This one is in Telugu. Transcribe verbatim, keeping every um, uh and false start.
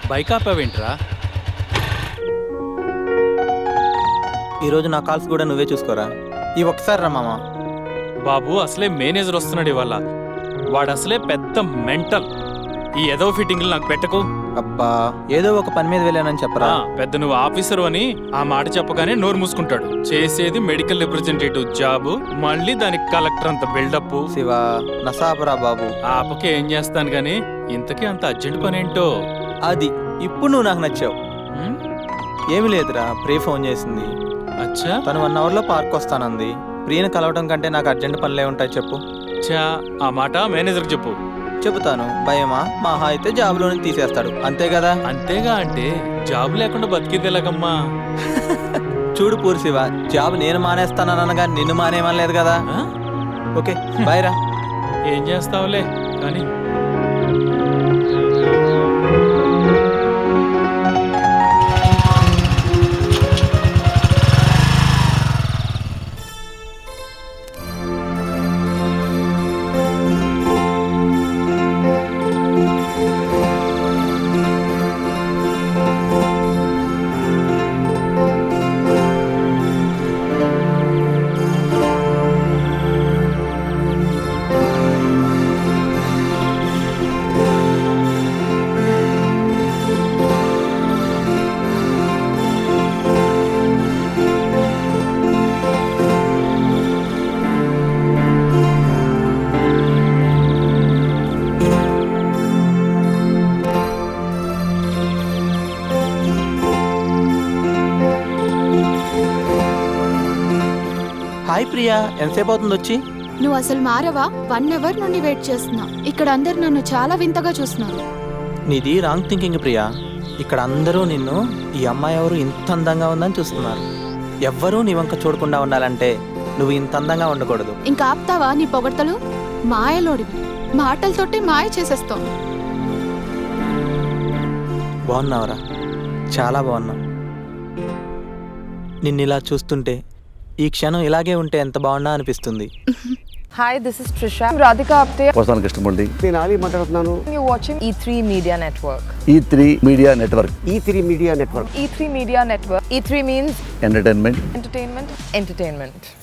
బైక్ ఆపావేంట్రా? ఈరోజు నా కాల్స్ కూడా నువ్వే చూసుకోరా. ఈ ఒక్కసారి రా మామ. బాబు అసలే మేనేజర్ వస్తున్నాడు ఇవాళ. వాడు అసలే పెద్ద మెంటల్. ఈ ఏదో ఫిట్టింగ్లు నాకు పెట్టకు. అబ్బా ఏదో ఒక పని మీద వెళ్ళానని చెప్పరా. పెద్ద నువ్వు ఆఫీసరు అని ఆ మాట చెప్పగానే నోరు మూసుకుంటాడు. చేసేది మెడికల్ రిప్రజెంటేటివ్ జాబు, మళ్ళీ దానికి కలెక్టర్ అంత బిల్డప్. శివ నసాపరా బాబు. ఆపకే ఏం చేస్తాను గాని ఇంతకీ అంత అర్జెంట్ పని ఏంటో. అది ఇప్పుడు నువ్వు నాకు నచ్చావు. ఏమి లేదురా, ప్రియ ఫోన్ చేసింది. అచ్చా, తను వన్ అవర్ లో పార్క్ వస్తానంది. ప్రియను కలవటం కంటే నాకు అర్జెంట్ పనులే ఉంటాయి చెప్పు. చా ఆ మాట మేనేజర్కి చెప్పు. చెబుతాను. భయమా? మహా అయితే జాబ్లోనే తీసేస్తాడు, అంతే కదా. అంతేగా అంటే జాబ్ లేకుండా బతికేది ఎలాగమ్మా? చూడు పూర్శివ, జాబ్ నేను మానేస్తాననగా నిన్ను మానేయమనలేదు కదా. ఓకే బాయ్ రా. ఏం చేస్తావులే కానీ. హాయ్ ప్రియా, ఎంతసేపు అవుతుంది వచ్చి? నువ్వు అసలు మారవా? వన్ అవర్ నుండి వెయిట్ చేస్తున్నా. ఇక్కడ అందరు నన్ను చాలా వింతగా చూస్తున్నారు. నీది రాంగ్ థింకింగ్ ప్రియా. ఇక్కడ అందరూ నిన్ను ఈ అమ్మాయి ఎవరు ఇంత అందంగా ఉందని చూస్తున్నారు. ఎవ్వరూ నీ వంక చూడకుండా ఉండాలంటే నువ్వు ఇంత అందంగా ఉండకూడదు. ఇంకా ఆపుతావా నీ పొగడ్తలు? మాయలోడివి, మాటలతోటి మాయ చేసేస్తావు. బాగున్నావురా, చాలా బాగున్నావు. నిన్ను ఇలా చూస్తుంటే ఈ క్షణం ఇలాగే ఉంటే ఎంత బాగున్నా అనిపిస్తుంది. Hi, this is Trisha. I'm Radhika Apte. వస్తాను కృష్ణమూర్తి. నేను ఆలీ మాట్లాడుతున్నాను. You're watching E three Media Network. E three Media Network. E three Media Network. E three Media Network. E three means entertainment. entertainment, entertainment.